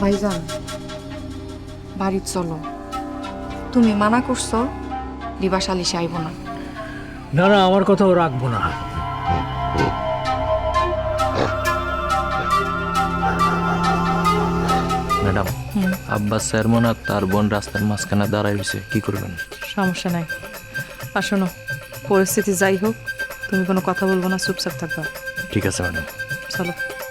ভাইজান বাড়ি চলো। তুমি মানা করছো দিবা সালিশে আইব না। না না, আমার কথাও রাখবো না। ম্যাডাম, আব্বাস স্যার মনে হয় তার বোন রাস্তার মাঝখানে দাঁড়াই হয়েছে, কি করবেন? সমস্যা নাই। আর শোনো, পরিস্থিতি যাই হোক তুমি কোনো কথা বলবো না, চুপচাপ থাকবা। ঠিক আছে ম্যাডাম। চলো।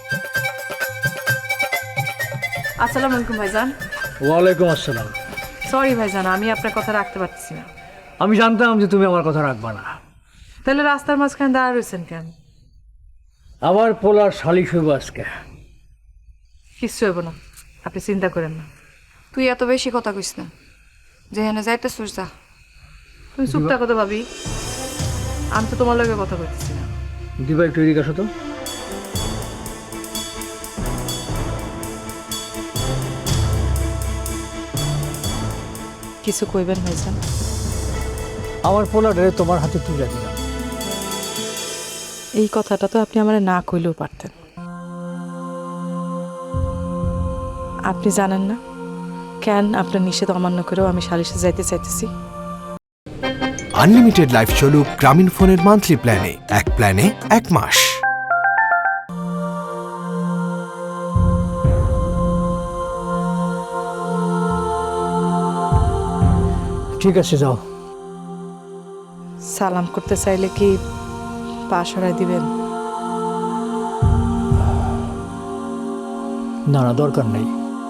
আসসালামু আলাইকুম ভাইজান। ওয়ালাইকুম আসসালাম। সরি ভাইজান, আমি আপনার কথা রাখতে পারছি না। আমি জানতাম যে তুমি আমার কথা রাখবা না। তাহলে রাস্তার মাঝখানে দাঁড়া রয়েছেন কেন? আমার পোলার শালিশ হইব আজকে। কিচ্ছু হইব না, আপনি চিন্তা করেন না। তুই এত বেশি কথা কইস না, যেখানে যাইতেছিস যা। তুমি চুপ থাকো তো ভাবি, আমি তো তোমার লগে কথা কইতেছি না। দিবা একটু এদিকে আসো তো। কিছু কইবেন ভাইজান? আমার পোলারে তোমার হাতে তুলে দিলাম। এই কথাটা তো আপনি আমার না কইলেও পারতেন। আপনি জানেন না কেন আপনার নিষেধ অমান্য করেও আমি সালিশে যাইতে চাইতেছি। আনলিমিটেড লাইফ চলুক গ্রামীণ ফোনের মান্থলি প্ল্যানে, এক প্ল্যানে 1 মাস। ঠিক আছে, যাও। সালাম করতে চাইলে কি পা সরাই দিবেন? না না, দরকার নেই।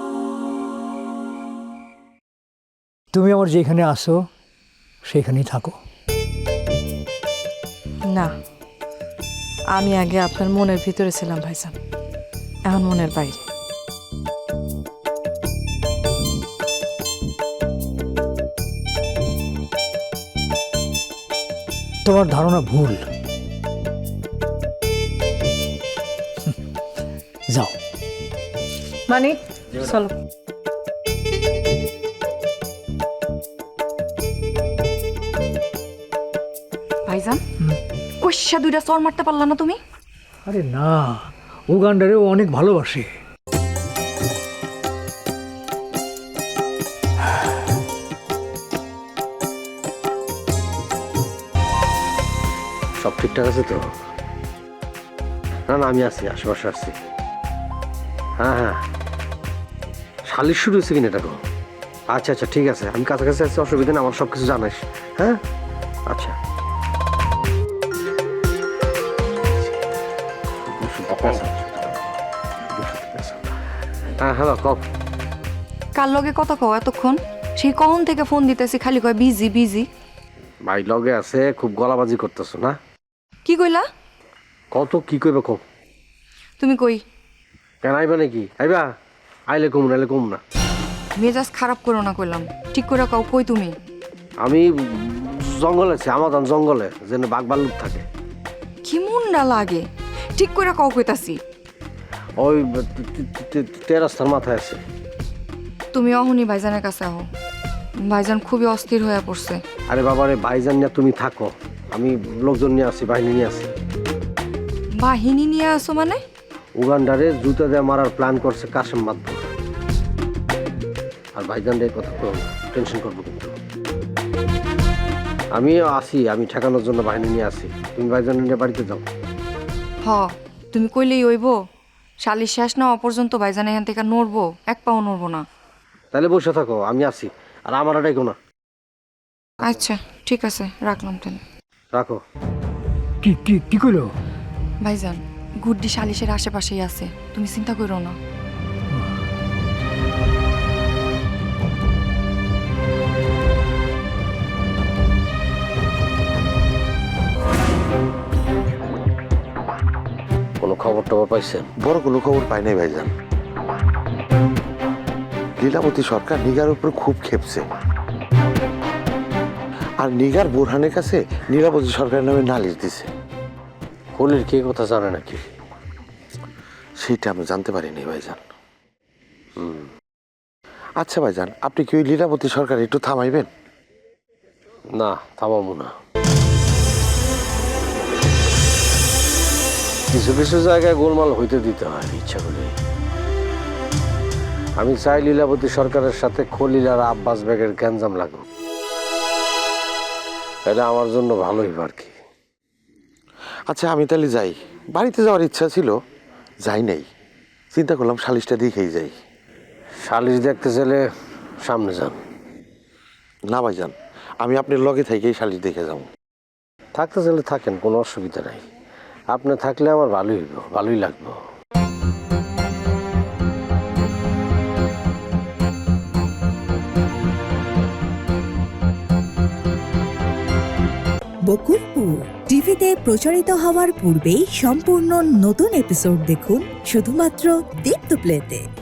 তুমি আমার যেখানে আসো সেখানেই থাকো। না, আমি আগে আপনার মনের ভিতরে ছিলাম ভাইজান, এখন মনের বাইরে। তোমার ধারণা ভুল। যাও। মানে চলো। ভাইজান কইসা দুইটা চর মারতে পারলা না তুমি? আরে না, উগান্ডারেও অনেক ভালোবাসে। সব ঠিকঠাক আছে তো? না না, আমি আছি, আশেপাশে আছি। হ্যাঁ হ্যাঁ, শালিশ শুরু হয়েছে কিনা এটা গো? আচ্ছা আচ্ছা, ঠিক আছে, আমি কাছাকাছি আছি, অসুবিধা নেই, আমার সব কিছু জানাইস। হ্যাঁ আচ্ছা। হ্যাঁ হ্যালো, কও। কার লগে কথা কও এতক্ষণ? সেই কখন থেকে ফোন দিতেছি, খালি কয় বিজি বিজি। ভাই লগে আছে, খুব গলাবাজি করতেছো না? কি কইলা? কত কি কইবে কও। তুমি কই? কেন আইবা নাকি? আইবা, আইলে কম, নাইলে কম না। মেজাজ খারাপ করো না কইলাম, ঠিক করে কও কই তুমি? আমি জঙ্গলে আছি, আমাজন জঙ্গলে, যেন বাঘ ভাল্লুক থাকে। কি মুন্ডা লাগে, ঠিক করে কও কইতাছি। ওই তেরাস্তার মাথায় আছে। তুমি অহনি ভাইজানের কাছে আহো, ভাইজান খুবই অস্থির হয়ে পড়ছে। আরে বাবারে, ভাইজান নিয়ে তুমি থাকো, আমি লোকজন নিয়ে আসি, বাহিনী নিয়ে আসি। বাহিনী নিয়ে আসো মানে? উগান্ডারে জুতা দিয়ে মারার প্ল্যান করছে কাশেম মাদবর। আর ভাইজান রে কথা তো টেনশন করবো, কিন্তু আমিও আসি, আমি ঠেকানোর জন্য বাহিনী নিয়ে আসি। তুমি ভাইজান নিয়ে বাড়িতে যাও। হ, তুমি কইলেই হইব। শালিশ শেষ না হওয়া পর্যন্ত ভাইজান এখান থেকে নড়বো, এক পাও নড়বো না। তাহলে বসে থাকো, আমি আসি। আর আমার ডাইকো না। আচ্ছা ঠিক আছে, রাখলাম তাহলে। রাখো। কি কি কি কইলো? ভাইজান গুড্ডি শালিশের আশেপাশেই আছে, তুমি চিন্তা করো না। কোনো খবর টবর পাইছেন? বড় কোনো খবর পাই নাই ভাইজান। লীলাবতী সরকার নিগার উপর খুব ক্ষেপছে, আর নিগার বোরহানের কাছে লীলাবতী সরকারের নামে নালিশ দিছে। কলির কে কথা জানে নাকি? সেইটা আমি জানতে পারিনি ভাইজান। আচ্ছা ভাইজান, আপনি কি ওই লীলাবতী সরকার একটু থামাইবেন? না, থামাবো না। কিছু কিছু জায়গায় গোলমাল হইতে দিতে হয় ইচ্ছা করে। আমি চাই লীলাবতী সরকারের সাথে খলিল আর আব্বাস বেগের গ্যাঞ্জাম লাগুক। এটা আমার জন্য ভালোই আর কি। আচ্ছা আমি তাহলে যাই, বাড়িতে যাওয়ার ইচ্ছা ছিল, যাই নাই, চিন্তা করলাম সালিশটা দেখেই যাই। সালিশ দেখতে চাইলে সামনে যান। না ভাইজান, আমি আপনার লগে থেকেই সালিশ দেখে যাব। থাকতে চাইলে থাকেন, কোনো অসুবিধা নাই। আপনি থাকলে আমার ভালোই হইব, ভালোই লাগবে। বকুলপুর টিভিতে প্রচারিত হওয়ার পূর্বেই সম্পূর্ণ নতুন এপিসোড দেখুন শুধুমাত্র দীপ্ত প্লেতে।